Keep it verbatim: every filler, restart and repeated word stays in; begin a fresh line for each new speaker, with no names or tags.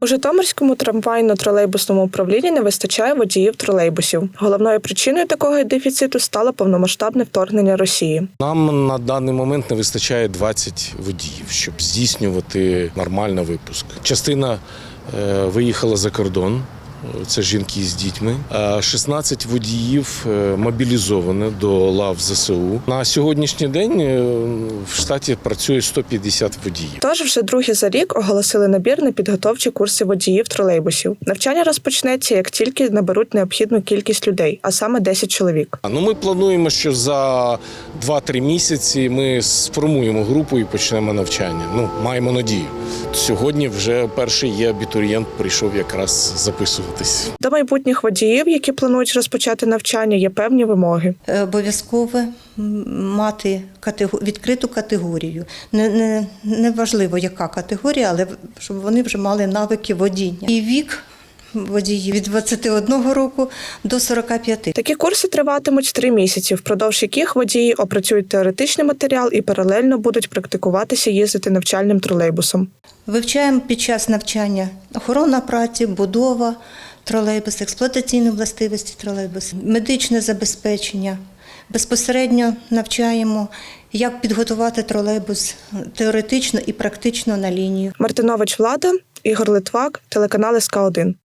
У Житомирському трамвайно-тролейбусному управлінні не вистачає водіїв тролейбусів. Головною причиною такого дефіциту стало повномасштабне вторгнення Росії.
Нам на даний момент не вистачає двадцять водіїв, щоб здійснювати нормально випуск. Частина е, виїхала за кордон. Це жінки з дітьми. шістнадцять водіїв мобілізовані до лав ЗСУ. На сьогоднішній день в штаті працює сто п'ятдесят водіїв.
Тож вже другий за рік оголосили набір на підготовчі курси водіїв тролейбусів. Навчання розпочнеться, як тільки наберуть необхідну кількість людей, а саме десять чоловік.
Ну, ми плануємо, що за два-три місяці ми сформуємо групу і почнемо навчання. Ну, маємо надію. Сьогодні вже перший є абітурієнт, прийшов якраз записуватись.
До майбутніх водіїв, які планують розпочати навчання, є певні вимоги.
Обов'язково мати відкриту категорію. Не, не, не важливо, яка категорія, але щоб вони вже мали навики водіння. І вік водіїв від двадцяти одного року до сорока п'яти.
Такі курси триватимуть три місяці, впродовж яких водії опрацюють теоретичний матеріал і паралельно будуть практикуватися їздити навчальним тролейбусом.
Вивчаємо під час навчання охорона праці, будова тролейбусу, експлуатаційні властивості тролейбусу, медичне забезпечення. Безпосередньо навчаємо, як підготувати тролейбус теоретично і практично на лінію.
Мартинович Влада, Ігор Литвак, телеканал ес ка один.